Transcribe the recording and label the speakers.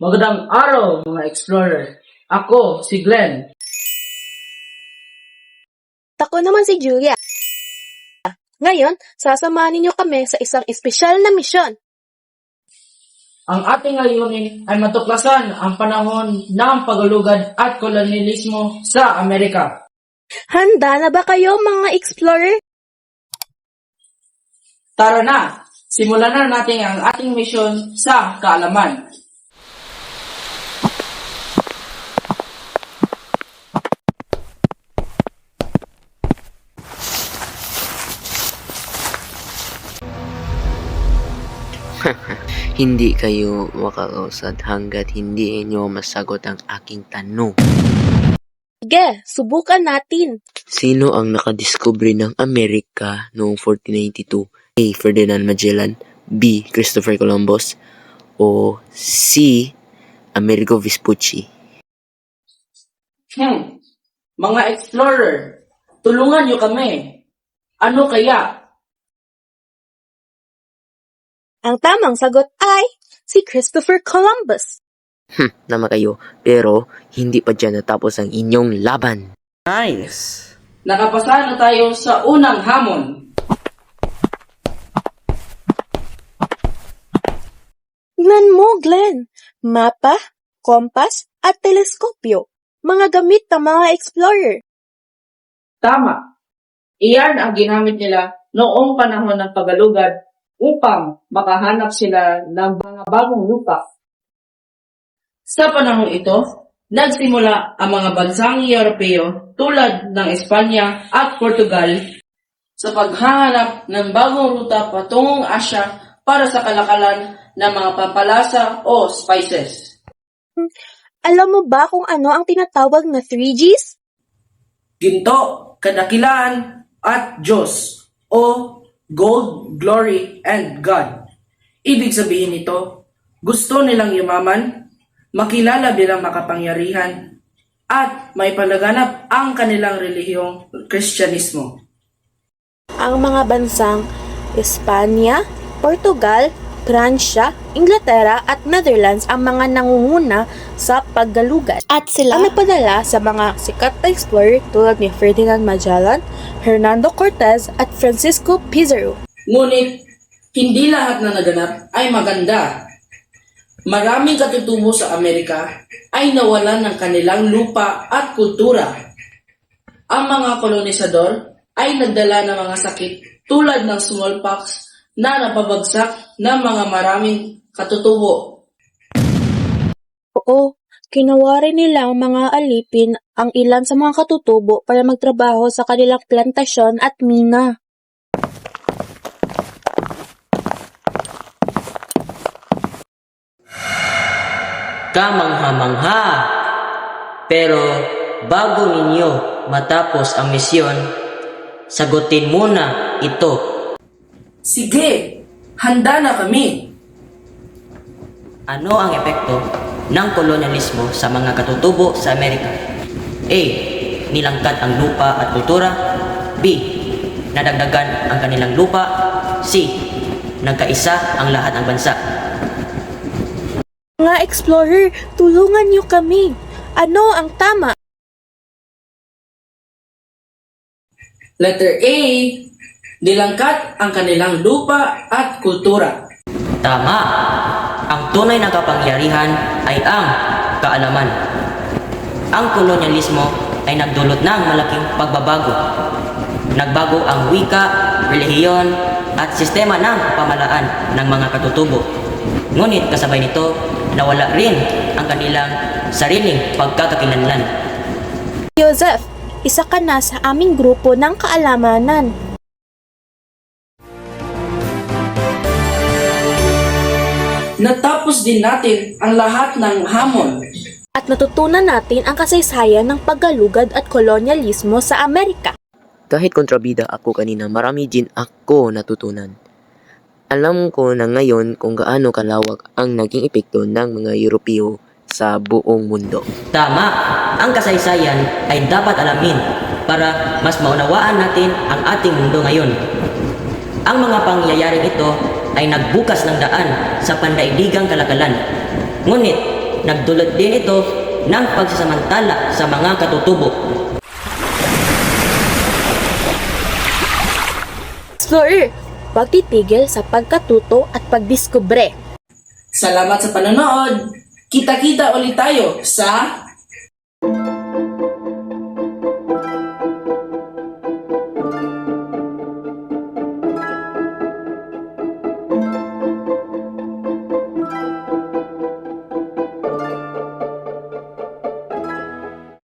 Speaker 1: Magandang araw mga explorer. Ako si Glenn.
Speaker 2: Ako naman si Julia. Ngayon, sasamahan ninyo kami sa isang espesyal na misyon.
Speaker 1: Ang ating layunin ay matuklasan ang panahon ng pagalugad at kolonyalismo sa Amerika.
Speaker 2: Handa na ba kayo mga explorer?
Speaker 1: Tara na! Simulan na natin ang ating misyon sa kaalaman.
Speaker 3: Hindi kayo makakausad hanggat hindi inyo masagot ang aking tanong.
Speaker 2: Sige, subukan natin.
Speaker 3: Sino ang nakadiskubre ng Amerika noong 1492? A. Ferdinand Magellan, B. Christopher Columbus, o C. Amerigo Vespucci?
Speaker 1: Mga explorer, tulungan niyo kami. Ano kaya?
Speaker 2: Ang tamang sagot ay si Christopher Columbus.
Speaker 3: Nama kayo, pero hindi pa dyan natapos ang inyong laban.
Speaker 4: Nice!
Speaker 1: Nakapasa na tayo sa unang hamon.
Speaker 2: Tingnan mo, Glenn. Mapa, kompas, at teleskopyo. Mga gamit ng mga explorer.
Speaker 1: Tama. Iyan ang ginamit nila noong panahon ng pagalugad upang makahanap sila ng mga bagong lupa. Sa panahong ito, nagsimula ang mga bansang Europeo tulad ng Espanya at Portugal sa paghahanap ng bagong ruta patungong Asya para sa kalakalan ng mga pampalasa o spices.
Speaker 2: Alam mo ba kung ano ang tinatawag na 3Gs?
Speaker 1: Ginto, kadakilaan, at Diyos o Gold, Glory, and God. Ibig sabihin nito, gusto nilang yumaman, makilala bilang makapangyarihan, at may palaganap ang kanilang relihiyong Kristyanismo.
Speaker 2: Ang mga bansang Espanya, Portugal, Pransya, Inglaterra at Netherlands ang mga nangunguna sa paggalugad. At sila ang nagpadala sa mga sikat na explorer tulad ni Ferdinand Magellan, Hernando Cortez at Francisco Pizarro.
Speaker 1: Ngunit, hindi lahat na naganap ay maganda. Maraming katutubo sa Amerika ay nawalan ng kanilang lupa at kultura. Ang mga kolonisador ay nagdala ng mga sakit tulad ng smallpox na napabagsak ng mga maraming katutubo.
Speaker 2: Oo, kinawari nila ang mga alipin ang ilan sa mga katutubo para magtrabaho sa kanilang plantasyon at mina.
Speaker 4: Kamangha-mangha! Pero bago ninyo matapos ang misyon, sagutin muna ito.
Speaker 1: Sige, handa na kami.
Speaker 4: Ano ang epekto ng kolonyalismo sa mga katutubo sa Amerika? A. Nilangkat ang lupa at kultura. B. Nadagdagan ang kanilang lupa. C. Nagkaisa ang lahat ng bansa.
Speaker 2: Mga explorer, tulungan niyo kami. Ano ang tama?
Speaker 1: Letter A, nilangkat ang kanilang lupa at kultura.
Speaker 4: Tama! Ang tunay na kapangyarihan ay ang kaalaman. Ang kolonyalismo ay nagdulot ng malaking pagbabago. Nagbago ang wika, relihiyon, at sistema ng pamahalaan ng mga katutubo. Ngunit kasabay nito, nawala rin ang kanilang sariling pagkakakilanlan.
Speaker 2: Joseph, isa ka na sa aming grupo ng kaalamanan.
Speaker 1: Natapos din natin ang lahat ng hamon.
Speaker 2: At natutunan natin ang kasaysayan ng paggalugad at kolonyalismo sa Amerika.
Speaker 3: Kahit kontrabida ako kanina, marami din ako natutunan. Alam ko na ngayon kung gaano kalawak ang naging epekto ng mga Europeo sa buong mundo.
Speaker 4: Tama! Ang kasaysayan ay dapat alamin para mas maunawaan natin ang ating mundo ngayon. Ang mga pangyayaring ito ay nagbukas ng daan sa pandaigdigang kalakalan. Ngunit, nagdulot din ito ng pagsasamantala sa mga katutubo.
Speaker 2: Explorer, pagtitigil sa pagkatuto at pagdiskubre.
Speaker 1: Salamat sa panonood! Kita-kita ulit tayo sa